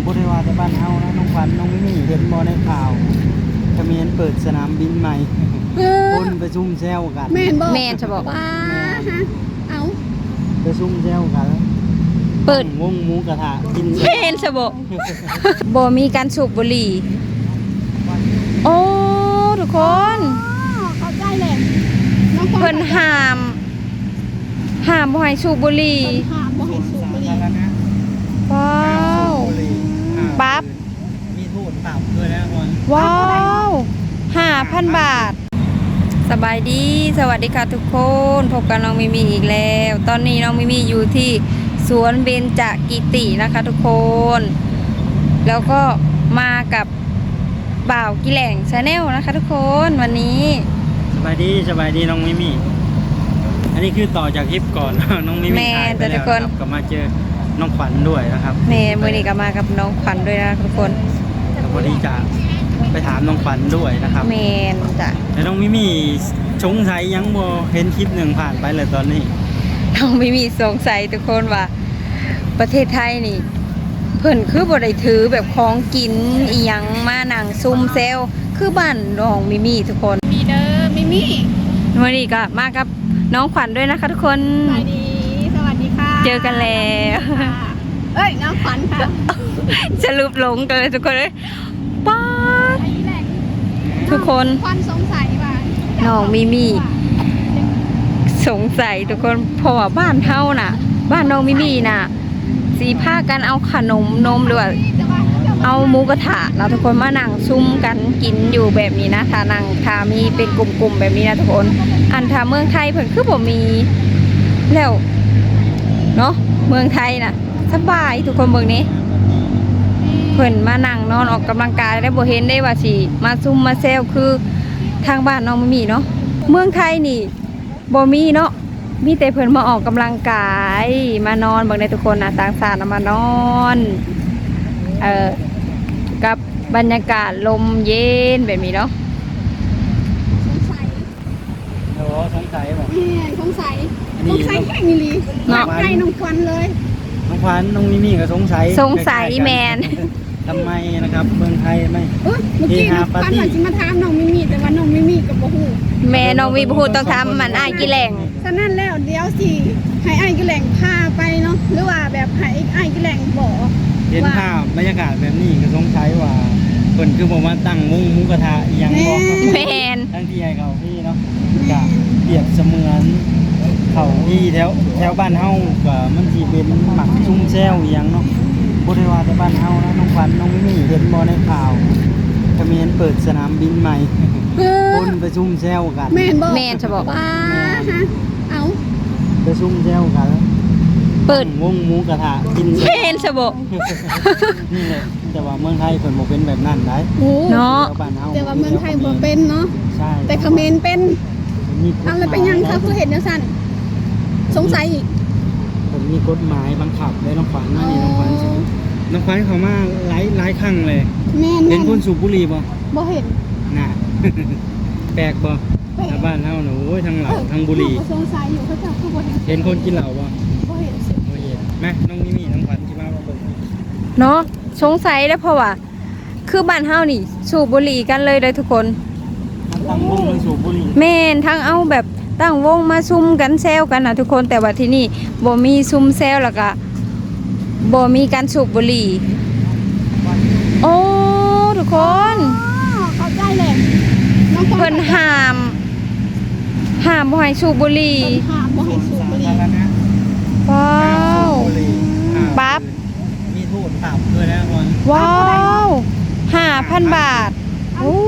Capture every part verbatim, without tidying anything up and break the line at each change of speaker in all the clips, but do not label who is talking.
บ่ได้ว่าแต่บ้านเฮานะน้องขวัญน้องมิมี่เห็นบ่ในข่าวเขมรเปิดสนามบินใหม่คนไปซุ่มแซวกัน
แม่นบ่
แม่นจะบอก
ว้าฮะเอา
ไปซุ่มแซวกัน
เปิด
วงหมูกระทะกิน
แม่นจะบอกบ่มีการสูบบุหรี่โอ้ทุกคน
เข้าใจแหละน้องขวัญ
เพิ่นห้ามห้ามบ่ให้สูบบุหรี่
เพิ่นห้ามบ่ให้สูบบุหรี่
ว้าวปั๊บ
มีโทษปรับด้วยนะคน
ว้าวห้าพันบาทสบายดีสวัสดีค่ะทุกคนพบกับน้องมิมีอีกแล้วตอนนี้น้องมิมีอยู่ที่สวนเบญจกิตินะคะทุกคนแล้วก็มากับบ่าวกิแหล่งชาแนลนะคะทุกคนวันนี้
สบายดีสบายดีน้องมิมี่อันนี้คือต่อจากคลิปก่อน น้องมิมี่ถ่ายไปแล้วนะครับก็มาเจอน้องขวัญด้วยนะครับ
แม่มื้อนี้ก็มากับน้องขวัญด้วยนะทุกคน
พอดีจะไปถามน้องขวัญด้วยนะครับ
แม่นจ้ะ
แล้วน้องมิมี่สงสัยยังบ่เห็นคลิปหนึ่งผ่านไปเลยตอนนี้
น้องมิมีสงสัยทุกคนว่าประเทศไทยนี่เพิ่นคือบ่ได้ถือแบบของกินอีหยังมานั่งซุ่มเซลคือบ้านน้องมิมีทุกคน
มีเด้อมิมี่
วันนี้ก็มากับน้องขวัญด้วยนะคะทุกคน
สวัสดีสวัสดีค่ะ
เจอกันแล้ว
เอ้ยน้องขวัญค่ะ
จะรูปหลงกันเลยทุกคนเลยป๊าดทุกคน
ขวัญสงสัยว่า
น้องมิมีสงสัยทุกคนเพราะว่าบ้านเฮาน่ะบ้านน้องมิมีน่ะสีผ้ากันเอาขนมนมหรือว่าเอาหมูกระทะเราทุกคนมานั่งซุ่มกันกินอยู่แบบนี้นะถ้านั่งถ้ามีเป็นกลุ่มๆแบบนี้นะทุกคนอันถ้าเมืองไทยเพิ่นคือบ่มีแล้วเนาะเมืองไทยน่ะสบายทุกคนเมืองนี้เพิ่นมานั่งนอนออกกำลังกายได้บ่เห็นได้ว่าสิมาซุ่มมาแซวคือทางบ้านน้องมิมีเนาะเมืองไทยนี่บ่มีเนาะมีแต่เพิ่นมาออกกำลังกายมานอนเบิ่งได้ทุกคนนะต่างชาติมานอนเอ่อกับบรรยากาศลมเย็นแบบนี้เนาะ
สงสัย
โอ้สงสัยบ่
แม่สงสัยสงสัยแค่นี้ลีเนาะใกล้น้องขวัญเลย
น้องขวัญน้องมิมี่ก็สงสัย
สงสัยแมน
ทำไมนะครับเมืองไทยไม่
เมื่อกี้น้องขวัญว่าสิมาถามน้องมิมี่แต่ว่าน้องมิมี่ก็บ่ฮู้
แม่น้องมีบ่ฮู้ต้องถามมันอ้ายกิแหล่ง
ฉะนั้นแล้วเดี๋ยวสิให้อ้ายกิแหล่งพาไปเนาะหรือว่าแบบให้อ้ายกิแหล่งบอก
เห็นภาพบรรยากาศแบบนี้ก็สงสัยว่าเพิ่นคือบ่มาตั้งมุ้งหมูกระทะอีหยังบ่
แม่น
ทั้งที่ให้เขาพี่เนาะก็เปรียบเสมือนเขาที่แถวแถวบ้านเฮาก็มันสิเป็นหมักซุ่มแซวอีหยังเนาะบ่ได้ว่าแต่บ้านเฮานะน้องขวัญน้องมิมี่เห็นบ่ในข่าวเขมรเปิดสนามบินใหม่คนไปซุ่มแซวกัน
แม่นบ่
แม่นจะบอก
ว้าฮะเอา
ไปซุ่มแซวกัน
เปิด
วงหมูกระทะกิน
แม่นจะบอก
นี่แหละแต่ว่าเมืองไทยเพิ่นบ่เป็นแบบนั้นได้
เนาะ
แต่ว่าเมืองไทยบ่เป็นเนาะ
ใช่
แต่เขมรเป็นอะไรเป็นยังคะคือเห็นจังซั่นสงสัยอีก
ผมมีกฎหมายบังคับเลยน้องขวัญนี่น้องขวัญสิน้องขวัญเขามาหลายหลายครั้งเลย
แม่น
เห็นคนสูบบุหรี่บ่
บ่เห็น
น่ะแปลกบ่ชาวบ้านเฮาน่ะโอ้ยทั้งเหล้าทั้งบุหรี่
สงสัยอยู่เขาจะคือบ่เห็น
เห็นคนกินเหล้าบ่
บ่เห็น
บ่เห็นมาน้องมิมี่น้องขวัญสิมาบ่เบิ่ง
เนาะสงสัยแล้วเพราะว่าคือบ้านเฮานี่สูบบุหรี่กันเลยเลยทุกคน
ตั้งวงเลยสูบบุหรี่
แม่นทั้งเอาแบบตั้งวงมาซุ่มกันแซวกันนะทุกคนแต่ว่าที่นี่บ่มีซุ่มแซวแล้วก็บ่มีการสูบบุหรี่โอ้ทุกคน
เข้าใจแหละ
เพิ่นห้ามห้ามบ่ให้สูบบุหรี่
ห้ามบ่ให้สูบบุหรี่
ว้าวปั๊บ
มีโทษปรับด้วยนะคน
ว้าวห้าพันบาทโอ้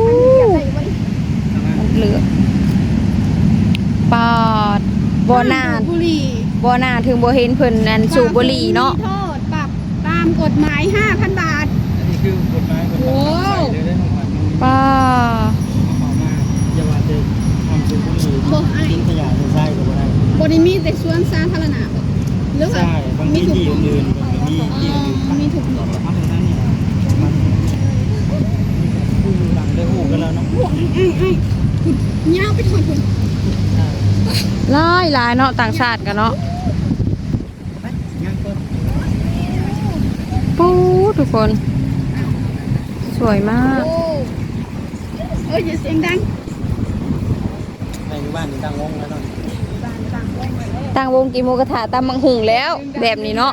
เหลือปอดบ่น่าบ่น่าถึงบ่เห็นเพิ่นนั่นสูบบุหรี่เนาะ
โทษปรับตามกฎหมาย ห้าพัน บาท
อันนี้คือกฎหมายกฎหมายใส่เลยได้ของขวัญ
ป้า
ขอมาอย่าว่าแต่ทำสูบบุหรี่ทิ้งขยะใส่ก็บ่ได้
บ่ได้มีแต่สวนสาธารณะบ่หรือว่า
มีที่อื่นๆก็มีที่อื่น
มีทุกที่
เพราะฉะนั้นเนี่ยมันผู้หลังได้ฮู้กันแล้วเนาะ
ไอ้ๆยาวไปถอดพุ่น
หลายหลายเนาะต่างชาติกันเนาะปูทุกคน สวยมาก
โอ้เอ้ยอย่าเสียงดัง
ในบ้านนี่ตั้งวงแล้วเนาะ
บ้านดังลงไปเลย
ตั้งวงกินหมูกระทะตำมังหุงแล้ว แบบนี้เนาะ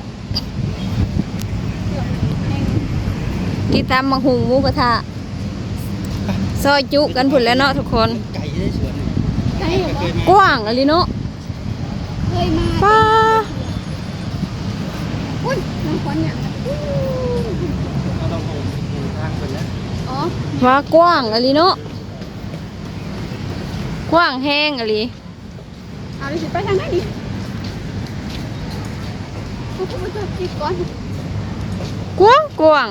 กินตำมังหุงหมูกระทะซอยจุกันผุนแล้วเนาะทุกคน
ไก่ได้สวน
ใช่เหรอ
เคยมาก
ว้างอะไรเนาะ
เคยมา
ป้า
อุ้ยน้ำควันเนี่ยอู้
เราต้องเอาทางไปแล้ว
อ๋อ
ว่ากว้างอะไรเนาะกว้างแห้งอะไร
เอาเลยสิไปทางไหนดิกูพูดจะจิกก่อน
กว้างกว้าง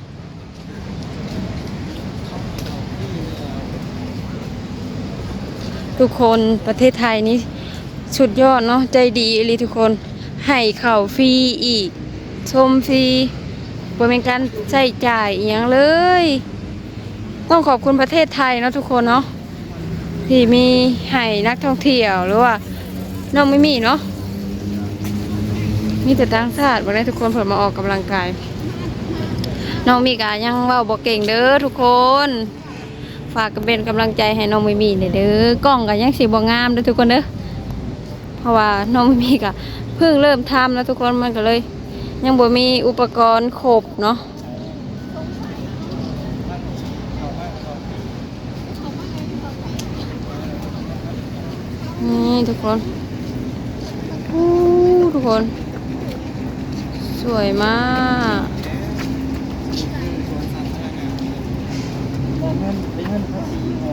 ทุกคนประเทศไทยนี้สุดยอดเนาะใจดีอหลีทุกคนให้ข่าวฟรีอีก ชมฟรีบ่เป็นการใช้จ่ายอหย่างเลย ต้องขอบคุณประเทศไทยเนาะทุกคนเนาะที่มีให้นักท่องเที่ยวหรือว่าน้องไม่มีเนาะมีแต่ต่างชาติบ่ได้ทุกคนเพิ่นมาออกกำลังกายน้องมีกายังเว้าบ่เก่งเด้อทุกคนฝากกันเป็นกำลังใจให้น้องไม่มีเด้อกล้องก็ยังสิบ่งามเด้อทุกคนเด้อเพราะว่าน้องไม่มีก็เพิ่งเริ่มทำแล้วทุกคนมันก็เลย ยังบ่มีอุปกรณ์ครบเนาะนี่ทุกคนอู้ทุกคน สวยมาก
เงินเป็นเงินภาษีของ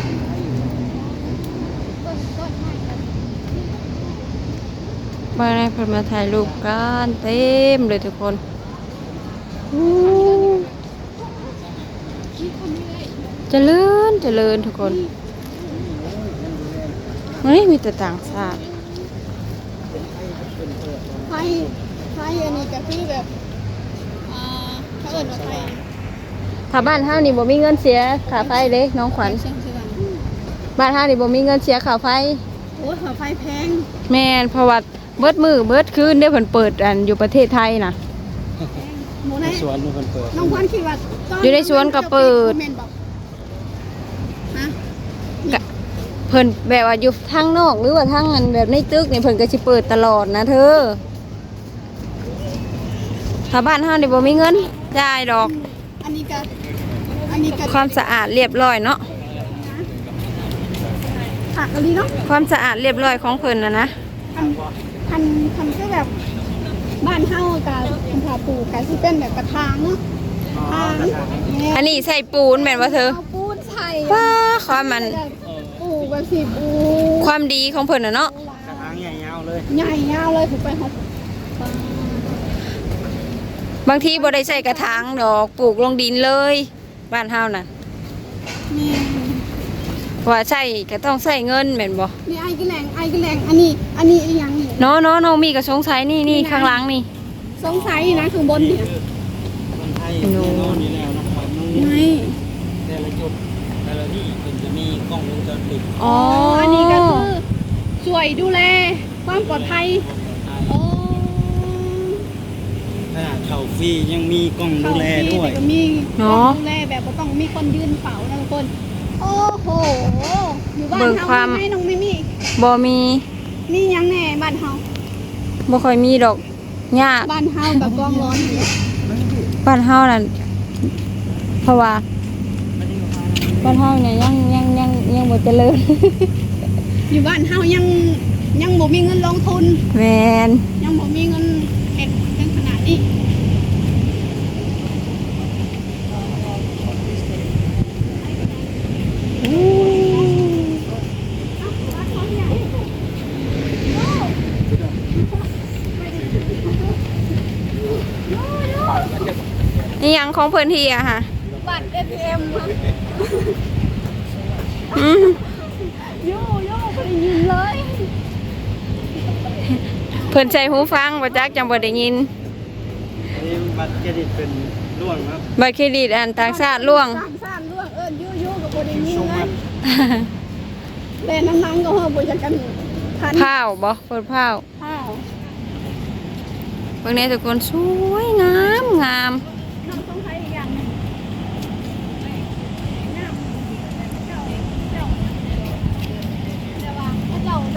บ้านในเพิ่นมาถ่ายรูปกันเต็มเลยทุกคนอู้เจริญเจริญทุกคนนี่มีแต่ต่างชาติ
ไฟไฟอันนี้ก็คือแบบอ่าเขาเอิ้นว่าไฟ
ถ้าบ้านเฮานี่บ่มีเงินเสียค่าไฟเด้น้องขวัญ
เชียงเชียง
บ้านเฮานี่บ่มีเงินเสียค่าไฟ
โอ้ยหัวไฟแพง
แม่นเพราะว่าเบิดมือเบิดคืนได้เพิ่นเปิดอันอยู่ประเทศไทยน่ะ
หมู
ใน
นะ
สวนมันเปิด
น้องควันคิดว่าต
อยู่ในสวนก็เปิด
แม่นบอกฮะ
กะเพิ่นแบบว่าอยู่ทางนอกหรือว่าทางอันแบบในตึกนี่เพิ่นก็สิเปิดตลอดนะเธอถ้าบ้านเฮานี่บ่มีเงินจ่ายดอก
อันนี้ก็อันนี้ก็
ความสะอาดเรียบร้อยเนาะ
ผักอันนี้เนาะ
ความสะอาดเรียบร้อยของเพิ่นน่ะนะ
พันพันพันก็แบบบ้านเฮากับคุณผาปลูกกับที่เป็นแบบกระถางเนาะทางเนี่ย
อันนี้ใส่ปูนแม่นบ่เธอ
เอาปูนใส่
ว้าความมัน
ปลูกแบบสีปู
ความดีของเพิ่นน่ะเนาะ
กระถางใหญ่ยาวเลย
ใหญ่ยาวเลยผมไปหก
บางทีบ่ได้ใส่กระถางดอกปลูกลงดินเลยบ้านเฮาน่ะ
นี่
ว่าใส่ก็ต้องใส่เงินแม่นบ่
นี่ไอ้กระแหลงไอ้กระแหลงอันนี้ อันนี้อีกอย่างนี่
เนาะเนาะน้องมีก็สงสัยนี่นี่ข้างหลังนี่
สงสัยนะข้างบนเนี่ย
คนไทยแน่นอนนี่แล้วนะครัน้อง
ไง
นี่แต่ละจุดแต่ละที่มันจะมีกล้องวงจรปิด
อ๋อ
อันนี้ก็คือช่วยดูแลความปลอดภัยโอ้
ขนาดเขาฟรียังมีกล้องดูแลด้วย
ก็มีดูแลแบบบ่ต้องมีคนยืนเฝ้านะทุกคน โอ้โห อยู่บ้านเฮาไม่น้องไม่มี
บ่มี
มียังแน่บ้านเฮา
บ่ค่อยมีดอกหญ้า
บ้านเฮากับกองร้อนอยู่
บ้านเฮานั่นเพราะว่าบ้านเฮาเนี่ยยังยังยังยังบ่เจริญ
อยู่บ้านเฮายังยังบ่มีเงินลงทุน
แม่น
ยังบ่มีเงินเฮ็ดเป็นขนาดนี้
นี่หยังของเพิ่นที่อะค่ะ
บัตร เอ ที เอ็ม ครับ
อืม
โย่โย่บ่ได้ยินเลย
เพิ่นใส่หูฟังบ่จักจังบ่ได้ยิน
อันนี้บัตรเครดิตเป็นร่วงครับ
บัตรเครดิตอันต่างชาติล่วง
ต่างชาติล่วงเอิ้นโย่โย่ก็บ่ได้ยิน
ส่ง
เล
มาย
แต่น้ำนังก็เฮาบ่จักกันทัน
พาวบ่เพิ่นพาว
ข้าว
เบิ่งแน่ทุกคนสวยงามงาม
น้องต้องใช้อีกอย่างหนึงน้ำเจ้าเจ้าเดี๋ยวว่าถ้าเจ้าได้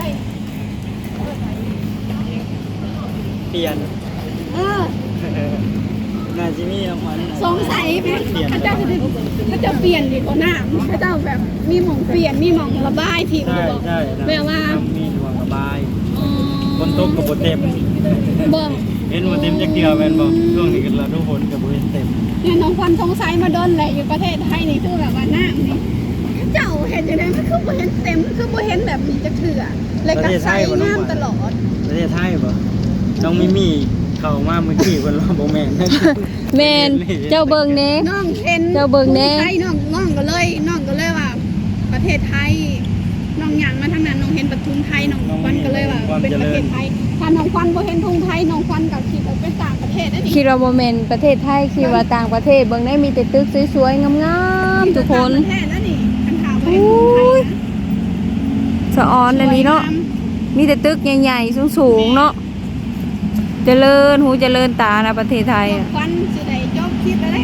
เปลี่ยน
เออ
น่าจะมีรางวัล
สงสัยไหม
เปลี่ยน
พระเจ้าจะได้พระเจ้าเปลี่ยนดีกว่าน้ำพระเจ้าแบบมีหม่องเปลี่ยนมีหม่องระบายที่
ใช่
บอก
ใช่
แปลว่า
มีดวงระบาย
อ๋อ
คนตกกับบเต็ม
บอก
เห็นบเต็มจะเกี่ยวแมนบอกช่วงนี้กันละทุกคนกับบเห็นเต็ม
เนี่ยน้องควันสงสัยมาโดนแหละอยู่ประเทศไทยนี่คือแบบว่าน้ำนี่พระเจ้าเห็นอย่างนั้นมันคือบ่เห็นเต็มมันคือบ่เห็นแบบนี้จะเถื่อเลยก็ใส่น้ำตลอด
ประเทศไทยบ่น้องมิมี่เข้ามาเมื่อกี้คนว่าบ่แม่น
แม่นเจ้าเบิ่งแน่
น้องเห็น
เจ้าเบิ่งแน่
ไทยน้องน้องก็เลยน้องก็เลยว่า ประเทศไทยน้องหยังมาทางนั้นน้องเห็นประทุมไทยน้องควันก็เลยว่าเป็นประเทศไทยถ้าน้องควันบ่เห็นทุงไทยน้องควันก็คิดว่าเป็นต่างประเทศนั่นนี่
คิดว่าบ่แม่นประเทศไทยคิดว่าต่างประเทศเบิ่งได้มีแต่ตึกสวยๆงามๆทุกคน
ต่างประเทศนั่นนี่คันถามว่าเห็นทุงไทยนะ
สะออนอันนี้เนาะมีแต่ตึกใหญ่ๆสูงๆเนาะเจริญหูเจริญตานะประเทศไทย
น้อ
อะ
งควันสิได้จบคลิปแล้วเด้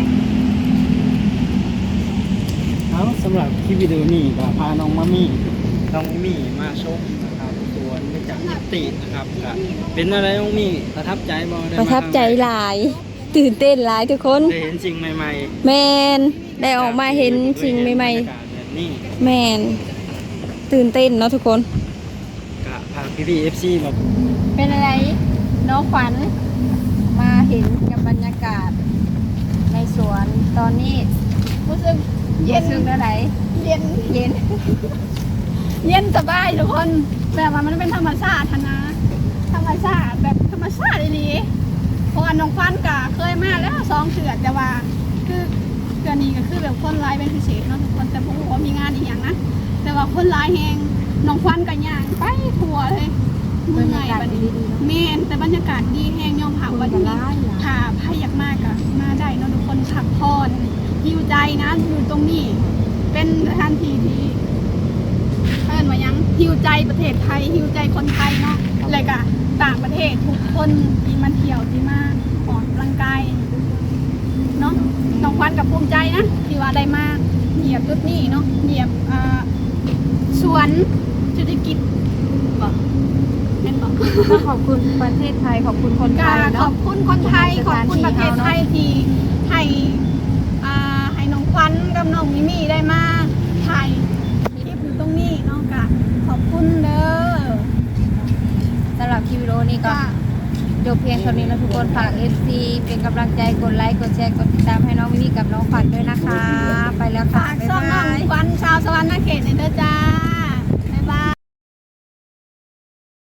เอาสำหรับคลิปวิดีโอนี้ก็พาน้องมามี่น้องมิมี่มาชมนะครับสวนไม่จักรตินะครับก็เป็นอะไรน้องมี่ประทับใจบ่ได้
ประ
มา
ทับใจหลาย ตื่นเต้นหลายทุกคน
ได้เห็นสิ่งใหม่ๆ
แมนได้ออกมาเห็นสิ่งใหม่
บรรยากาศแบบนี้
ๆแมนตื่นเต้นเนาะทุกคน
ก็พาพี่ๆ เอฟ ซี มา
เป็นอะไรน้องขวัญมาเห็นกับบรรยากาศ ในสวนตอนนี้
รู้สึกเย็
เย็
น
นซึ่งอะไร
เย็น
เย็น
เย็นสบายทุกคนแบบว่ามันเป็นธรรมชาติหั้นนะธรรมชาติแบบธรรมชาติดีๆเพราะว่าน้องควันก็เคยมาแล้วสองเถื่อแต่ว่าคือเดือนนี้ก็คือแบบคนร้ายเป็นพิเศษเนาะทุกคนแต่ผมว่ามีงานอีกอย่างนะแต่ว่าคนร้ายแหงน้องควันก็ย่างไปทั่วเลยเมื่อยบัดนี้แม่นแต่บรรยากาศดีแหงยอมผักวันนี้ถ้าใครอยากมากก็มาได้เนาะทุกคนพักผ่อนหิวใจนะอยู่ตรงนี้เป็นสถานที่ที่ เอิ้นว่าหยังหิวใจประเทศไทยหิวใจคนไทยเนาะเลยก็ต่างประเทศทุกคนที่มาเที่ยวที่มาออกกำลังกายเนาะน้องควันกับภูมิใจนะที่ว่าได้มาเหยียบจุดนี้เนาะเหยียบอ่าสวนเศรษฐกิจบอกเป็นบอก
ก็ขอบคุณประเทศไทยขอบคุณคนไท
กาย ขอ
เนาะ
บคุณคนไทยขอบคุณประเทศไทยที่ให้อ่าให้น้องควันกับน้องมิมี่ได้มาถ่ายคลิปอยู่ตรงนี้เนาะกะขอบคุณเด้อ
สำหรับคลิปวิดีโอนี้ก็
จ้า
จบเพียงเท่านี้นะทุกคนฝาก เอฟ ซี เป็นกำลังใจกดไลค์กดแชร์กดติดตามให้น้องมิมี่กับน้องขวัญด้วยนะคะ ไปแล้วค่ะ
ฝาก
บ๊าย
ซ่อมน้
บา
อง
ย
ควันชาวสวรรค์นาเขตในเด้อจ้า